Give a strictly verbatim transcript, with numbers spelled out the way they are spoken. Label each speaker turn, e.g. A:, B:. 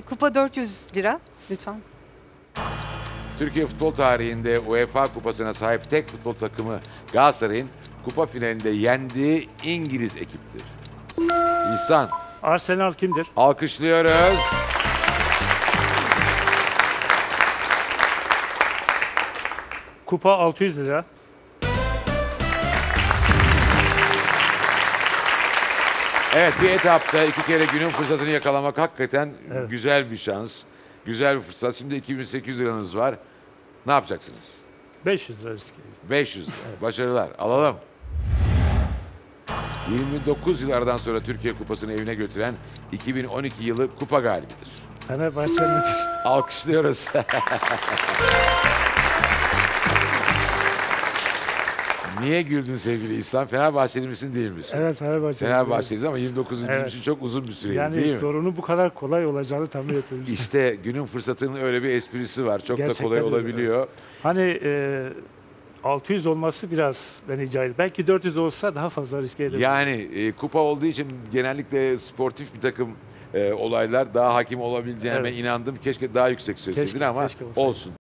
A: E, kupa dört yüz lira lütfen.
B: Türkiye futbol tarihinde UEFA kupasına sahip tek futbol takımı Galatasaray'ın kupa finalinde yendiği İngiliz ekiptir. İhsan.
C: Arsenal kimdir?
B: Alkışlıyoruz.
C: Kupa altı yüz lira.
B: Evet, bir etapta iki kere günün fırsatını yakalamak hakikaten
C: Evet.
B: güzel bir şans. Güzel bir fırsat. Şimdi iki bin sekiz yüz liranız var. Ne yapacaksınız?
C: beş yüz lira riske.
B: beş yüz lira. Başarılar. Alalım. yirmi dokuz yıl aradan sonra Türkiye Kupası'nı evine götüren iki bin on iki yılı kupa galibidir.
C: Fenerbahçe'nin.
B: Alkışlıyoruz. Niye güldün sevgili İhsan? Fenerbahçeli misin değil misin?
C: Evet, Fenerbahçe.
B: Fenerbahçeliyiz ama yirmi dokuz yıl bizim
C: Evet.
B: için çok uzun bir süre
C: Yani
B: değil mi?
C: sorunun bu kadar kolay olacağını tahmin etmemiştim.
B: İşte günün fırsatının öyle bir esprisi var. Çok
C: Gerçekten
B: da kolay
C: öyle,
B: olabiliyor.
C: Hani e, altı yüz olması biraz beni cahil. Belki dört yüz olsa daha fazla riske ederim.
B: Yani e, kupa olduğu için genellikle sportif bir takım e, olaylar daha hakim olabileceğime
C: Evet.
B: inandım. Keşke daha yüksek söyleseydin
C: Keşke,
B: ama
C: keşke olsaydı.
B: olsun.